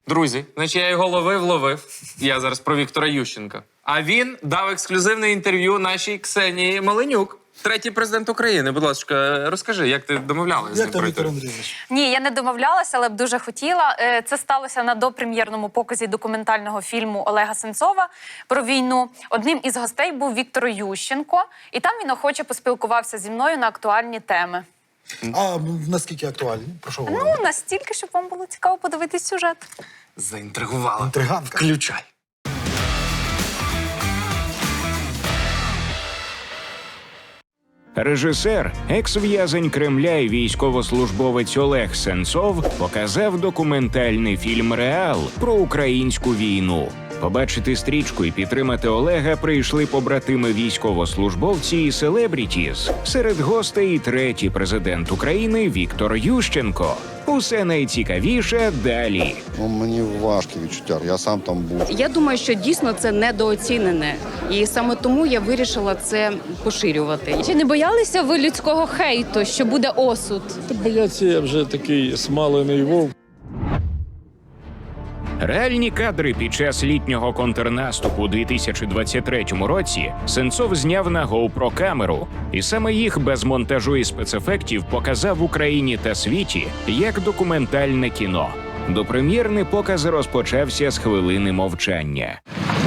Друзі, значить, я його ловив. Я зараз про Віктора Ющенка. А він дав ексклюзивне інтерв'ю нашій Ксенії Маленюк. Третій президент України. Будь ласка, розкажи, як ти домовлялася з ним? Як там, Віктор Андрійович? Ні, я не домовлялася, але б дуже хотіла. Це сталося на допрем'єрному показі документального фільму Олега Сенцова про війну. Одним із гостей був Віктор Ющенко, і там він охоче поспілкувався зі мною на актуальні теми. А наскільки актуальні? Про що говоримо? Ну, настільки, щоб вам було цікаво подивитись сюжет. Заінтригувала. Інтриганка. Включай. Режисер, екс-в'язень Кремля і військовослужбовець Олег Сенцов показав документальний фільм «Реал» про українську війну. Побачити стрічку і підтримати Олега прийшли побратими військовослужбовці і селебрітіс. Серед гостей і третій президент України Віктор Ющенко. Усе найцікавіше далі. Мені важкі відчуття, я сам там був. Я думаю, що дійсно це недооцінене. І саме тому я вирішила це поширювати. Чи не боялися ви людського хейту, що буде осуд? Та бояться, я вже такий смалений вовк. Реальні кадри під час літнього контрнаступу у 2023 році Сенцов зняв на GoPro-камеру. І саме їх без монтажу і спецефектів показав Україні та світі як документальне кіно. Допрем'єрний показ розпочався з хвилини мовчання.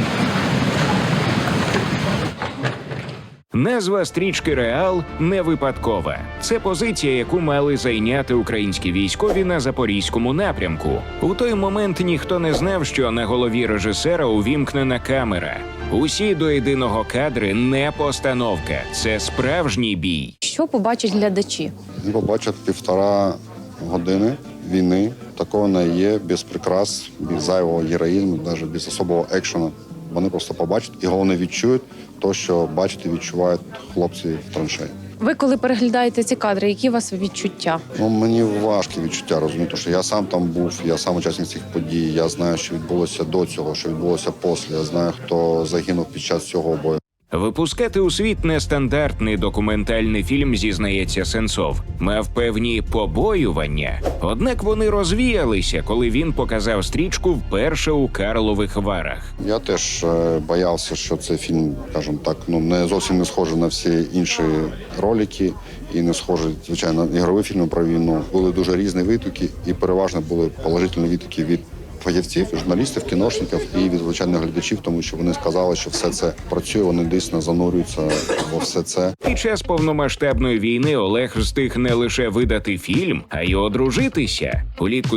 Назва стрічки «Реал» не випадкова. Це позиція, яку мали зайняти українські військові на Запорізькому напрямку. У той момент ніхто не знав, що на голові режисера увімкнена камера. Усі до єдиного кадри не постановка. Це справжній бій. Що побачать глядачі? Вони побачать 1,5 години війни. Такого не є, без прикрас, без зайвого героїзму, навіть без особого екшену. Вони просто побачать і головне відчують те, що бачать і відчувають хлопці в траншеї. Ви коли переглядаєте ці кадри, які у вас відчуття? Мені важкі відчуття, розумієте, що я сам там був, я сам учасник цих подій, я знаю, що відбулося до цього, що відбулося після, я знаю, хто загинув під час цього бою. Випускати у світ нестандартний документальний фільм, зізнається Сенцов, мав певні побоювання. Однак вони розвіялися, коли він показав стрічку вперше у Карлових Варах. Я теж боявся, що цей фільм, скажімо так, не зовсім не схожий на всі інші ролики і не схожий, звичайно, на ігрові фільми про війну. Були дуже різні відгуки і переважно були положительні відгуки від фахівців, журналістів, кіношників і від звичайних глядачів, тому що вони сказали, що все це працює, вони дійсно занурюються во все це. Під час повномасштабної війни Олег встиг не лише видати фільм, а й одружитися. Улітку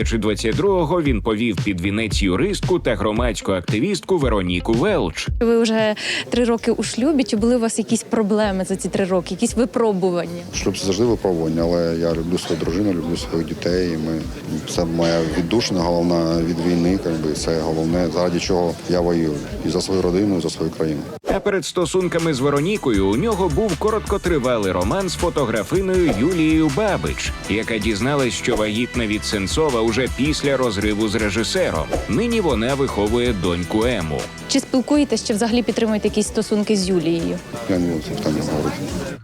2022-го він повів під вінець юристку та громадську активістку Вероніку Велч. Ви вже 3 роки у шлюбі. Чи були у вас якісь проблеми за ці 3 роки, якісь випробування? Шлюб – це завжди випробування, але я люблю свою дружину, люблю своїх дітей. Це моя віддушина головна від війни, це головне, заради чого я воюю. І за свою родину, і за свою країну. А перед стосунками з Веронікою у нього був короткотривалий роман з фотографиною Юлією Бабич, яка дізналась, що вагітна від Сенцова уже після розриву з режисером. Нині вона виховує доньку Ему. Чи спілкуєтесь, чи взагалі підтримуєте якісь стосунки з Юлією? Я не буду це питання говорити.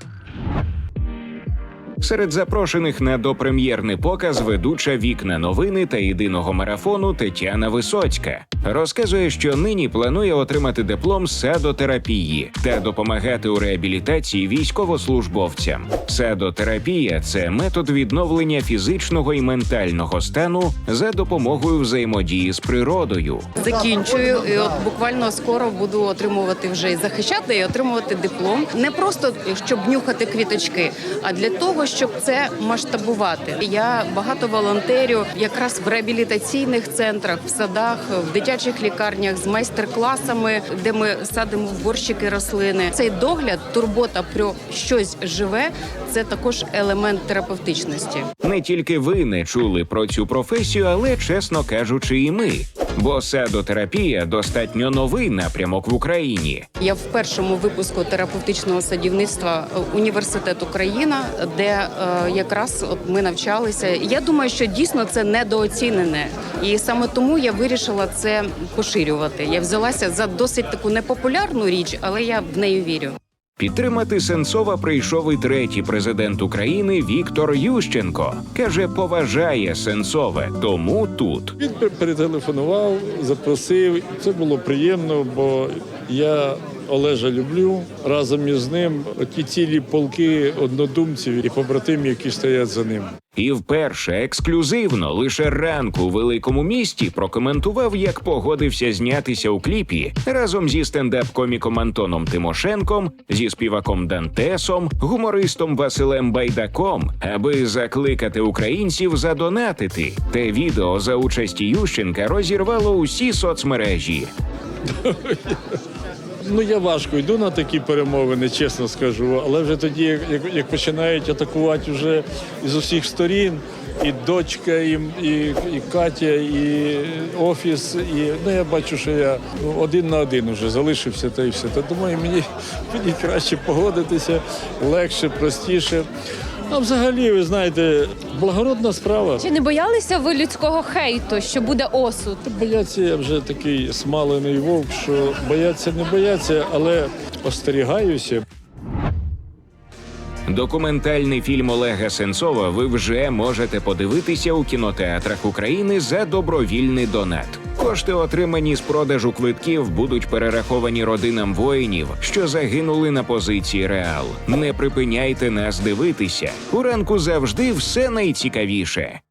Серед запрошених на допрем'єрний показ ведуча «Вікна новини» та єдиного марафону Тетяна Висоцька. Розказує, що нині планує отримати диплом з садотерапії та допомагати у реабілітації військовослужбовцям. Садотерапія – це метод відновлення фізичного і ментального стану за допомогою взаємодії з природою. Закінчую, і от буквально скоро буду отримувати вже і захищати, і отримувати диплом. Не просто, щоб нюхати квіточки, а для того, щоб це масштабувати. Я багато волонтерю якраз в реабілітаційних центрах, в садах, в дитячих лікарнях з майстер-класами, де ми садимо в горщики рослини. Цей догляд, турбота про щось живе – це також елемент терапевтичності. Не тільки ви не чули про цю професію, але, чесно кажучи, і ми. Бо садотерапія – достатньо новий напрямок в Україні. Я в першому випуску терапевтичного садівництва університету «Країна», де якраз от ми навчалися. Я думаю, що дійсно це недооцінене. І саме тому я вирішила це поширювати. Я взялася за досить таку непопулярну річ, але я в неї вірю. Підтримати Сенцова прийшов і третій президент України Віктор Ющенко. Каже, поважає Сенцове, тому тут. Він перетелефонував, запросив. Це було приємно, бо я Олежа люблю. Разом із ним оті цілі полки однодумців і побратимів, які стоять за ним. І вперше ексклюзивно лише ранку у великому місті прокоментував, як погодився знятися у кліпі разом зі стендап-коміком Антоном Тимошенком, зі співаком Дантесом, гумористом Василем Байдаком, аби закликати українців задонатити. Те відео за участі Ющенка розірвало усі соцмережі. Ну, я важко йду на такі перемовини, чесно скажу. Але вже тоді, як починають атакувати вже з усіх сторін, і дочка, і Катя, і офіс, і я бачу, що я один на один вже залишився, та й все. Та думаю, мені краще погодитися, легше, простіше. А взагалі, ви знаєте, благородна справа. Чи не боялися ви людського хейту, що буде осуд? Бояться, я вже такий смалений вовк, що бояться не бояться, але остерігаюся. Документальний фільм Олега Сенцова ви вже можете подивитися у кінотеатрах України за добровільний донат. Кошти, отримані з продажу квитків, будуть перераховані родинам воїнів, що загинули на позиції Реал. Не припиняйте нас дивитися. У ранку завжди все найцікавіше.